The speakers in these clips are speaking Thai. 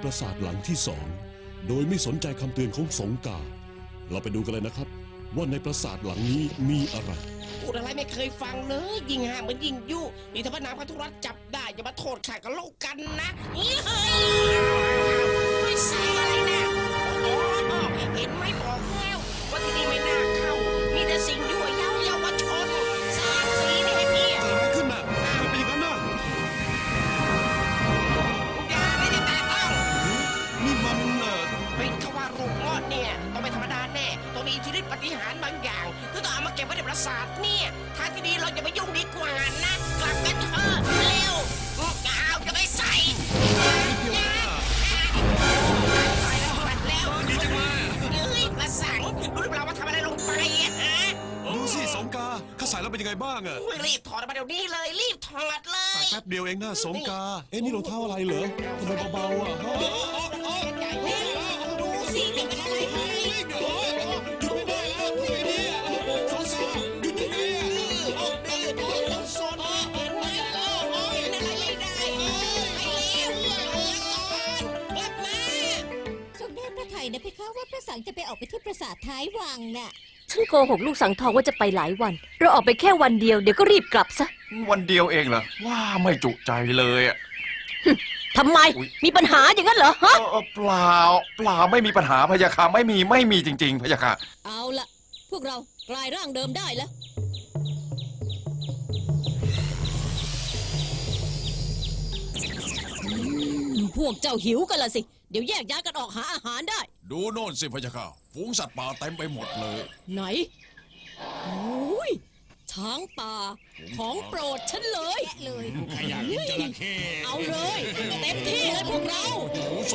ราสาทหลังที่สองโดยไม่สนใจคำเตือนของสงกาเราไปดูกันเลยนะครับว่าในปราสาทหลังนี้มีอะไรพูดอะไรไม่เคยฟังเลยยิงห่างเหมือนยิงยุนี่ถ้าพระนางพัทุรัตน์จับได้อย่ามาโทษข้ากับโลกกันนะเฮ้ยไม่ใช่อะไรนะโอ้เห็นไหมบอกแล้วว่าที่นี่ไม่น่าเข้ามีแต่สิ่งยั่วเย้าเยาวชนแสงสีนี่ให้พี่เกิดอะไรขึ้นน่ะมันเป็นอย่างนั้นน่ะอย่าได้จะแตะต้องนี่มันเป็นขว่ารูปงอดเนี่ยต้องเป็นธรรมดาแน่ต้องมีอิทธิฤทธิปาฏิหาริย์บางอย่างที่ต้องเอามาเก็บไว้ในปราสาทเนี่ยทางที่ดีเราอย่าไปยุ่งดีกว่านะกลับกันเถอะเร็วกาวจะไปใส่ตายแล้วปัดแล้วดีจังเลยเฮ้ยกระสังรู้หรือเปล่าว่าทำอะไรลงไปอะฮะดูสิสงกาข้าใส่แล้วเป็นยังไงบ้างอะรีบถอดออกมาเดี๋ยวนี้เลยรีบถอดเลยใส่แป๊บเดียวเองนะสงกานี่รองเท้าอะไรเหรอทำไมเบาๆอ่ะดูสิเป็นอะไรไหมหยุดไม่ได้แล้วทำไงดีอ่ะสงกาหยุดยังไงอ่ะต้องโซนเห็นไหมเป็นอะไรไม่ได้ไอ้เลวกลับมาทรงได้พระไทยนะเพคะว่าพระสังจะไปออกไปที่ปราสาทท้ายวังน่ะฉันโกหกลูกสังทองว่าจะไปหลายวันเราออกไปแค่วันเดียวเดี๋ยวก็รีบกลับซะวันเดียวเองเหรอว่าไม่จุใจเลยอ่ะทำไมมีปัญหาอย่างนั้นเหรอฮะเปล่าไม่มีปัญหาพะยาค่ะไม่มีจริงๆพะยาค่ะเอาละพวกเรากลายร่างเดิมได้แล้วพวกเจ้าหิวกันละสิเดี๋ยวแยกย้ายกันออกหาอาหารได้ดูโน่นสิพะยะค่ะฝูงสัตว์ป่าเต็มไปหมดเลยไหนโอ้ยช้างป่าของโปรดฉันเลยใครอยากกินจระเข้เอาเลยเต็มที่เลยพวกเราโอ้โซ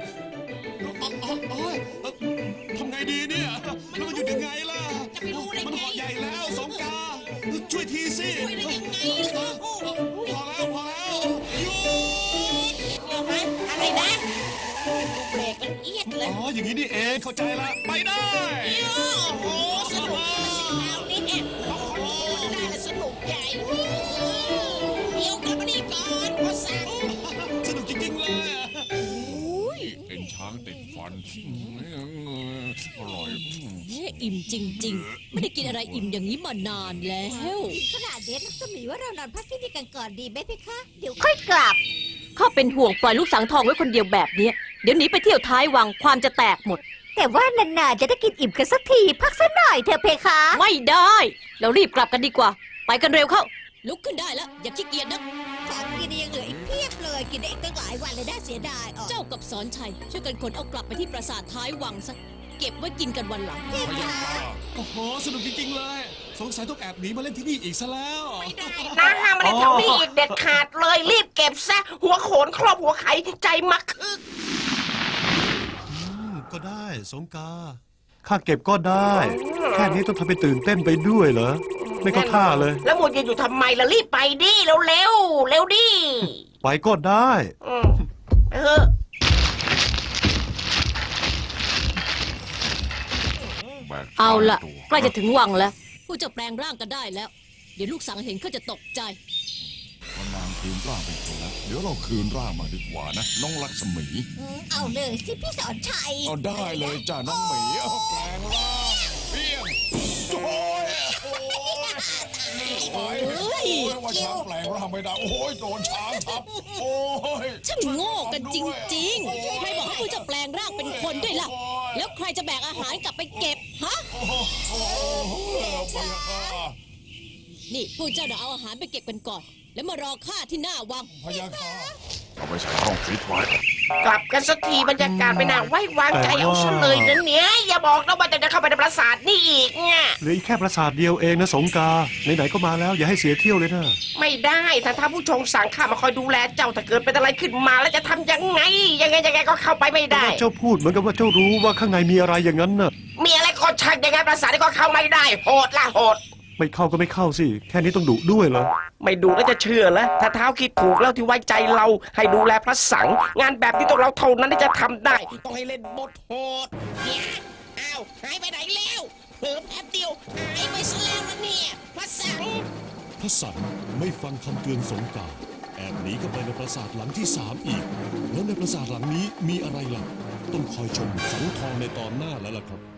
ทำไงดีเนี่ยแล้วมันอยู่ยังไงล่ะจะไปรู้ได้ไงมันห่อใหญ่แล้วสงกาช่วยทีสิช่วยได้ยังไงพอแล้วหยุดอะไรนะเบรกมันเอียดเลยอย่างนี้นี่เองเข้าใจละไปได้โอ้โหสนุกมาสิคราวนี้พอคนพูดได้แล้วสนุกใหญ่เดี๋ยวกลับมาดีก่อนพอสั่งสนุกจริงๆเลยเป็นช้างติดฟันอร่อยอิ่มจริงๆไม่ได้กินอะไรอิ่มอย่างนี้มานานแล้วขนาดเด็ดลักษมีว่าเรานอนพักที่นี่กันก่อนดีไหมพี่คะเดี๋ยวค่อยกลับข้าเป็นห่วงปล่อยลูกสังทองไว้คนเดียวแบบนี้เดี๋ยวหนีไปเที่ยวท้ายวังความจะแตกหมดแต่ว่านานๆจะได้กินอิ่มกันสักทีพักสักหน่อยเถอะเพคะไม่ได้เรารีบกลับกันดีกว่าไปกันเร็วเข้าลุกขึ้นได้แล้วอย่าขี้เกียจนะของกินยังเหลืออีกเพียบเลยกินได้อีกตั้งหลายวันเลยน่าเสียดายเจ้ากับสอนชัยช่วยกันขนเอากลับไปที่ปราสาทท้ายวังซะเก็บไว้กินกันวันหลังเพคะโอ้โหสนุกจริงๆเลยสงสัยต้องแอบหนีมาเล่นที่นี่อีกซะแล้วไม่ได้นะห้ามมาเล่นแถวนี้อีกเด็ดขาดเลยรีบเก็บซะหัวโขนครอบหัวไข่ใจมักคึกก็ได้สงกาข้าเก็บก็ได้แค่นี้ต้องทำเป็นตื่นเต้นไปด้วยเหรอไม่เข้าท่าเลยแล้วหมดยืนอยู่ทำไมล่ะรีบไปดิเร็วดิไปก็ได้เอาล่ะใกล้จะถึงวังแล้วผู้จะแปลงร่างกันได้แล้วเดี๋ยวลูกสังเห็นเขาจะตกใจนางคืนร่างไปแล้วเดี๋ยวเราคืนร่างมาดีกว่านะน้องลักษมีเอาเลยสิพี่สอนชัยเอาได้เลยจ้าน้องหมีแปลงร่างเพี้ยงโอ้ยว่าช้างแปลงร่างไม่ได้โอ้ยโดนช้างทับโอ้ยช่างโง่กันจริงๆใครบอกให้ผู้จะแปลงร่างเป็นคนด้วยล่ะแล้วใครจะแบกอาหารกลับไปเก็บฮะนี่ผู้เจ้าเดี๋ยวเอาอาหารไปเก็บกันก่อนแล้วมารอข้าที่หน้าวังพยาค่ะเอาไปใส่ห้องฟิตไว้กลับกันสักทีบรรยากาศไม่น่าไว้วางใจเอาซะเลยนั่นเนี่ยอย่าบอกนะว่าจะเข้าไปในปราสาทนี่อีกเนี่ยเหลือแค่ปราสาทเดียวเองนะสงกาไหนๆก็มาแล้วอย่าให้เสียเที่ยวเลยนะไม่ได้ถ้าผู้ชงสั่งข้ามาคอยดูแลเจ้าถ้าเกิดเป็นอะไรขึ้นมาแล้วจะทำยังไงก็เข้าไปไม่ได้เจ้าพูดเหมือนกับว่าเจ้ารู้ว่าข้างในมีอะไรอย่างนั้นน่ะมีอะไรก็ช่างยังไงปราสาทก็เข้าไม่ได้โหดละโหดไม่เข้าก็ไม่เข้าสิแค่นี้ต้องดุด้วยเหรอไม่ดุแล้วจะเชื่อแล้วถ้าเท้าคิดถูกแล้วที่ไว้ใจเราให้ดูแลพระสังงานแบบนี้ต้องเราเท่านั้นที่จะทำได้ต้องให้เล่นบทโหดเนี่ยอ้าวหายไปไหนแล้วเพิ่มแป๊บเดียวหายไปซะแล้วนะเนี่ยพระสังไม่ฟังคำเตือนสงกาแอบหนีเข้าไปในปราสาทหลังที่3อีก แล้วในปราสาทหลังนี้มีอะไรล่ะ ต้องคอยชมสังทองในตอนหน้าแล้วล่ะครับ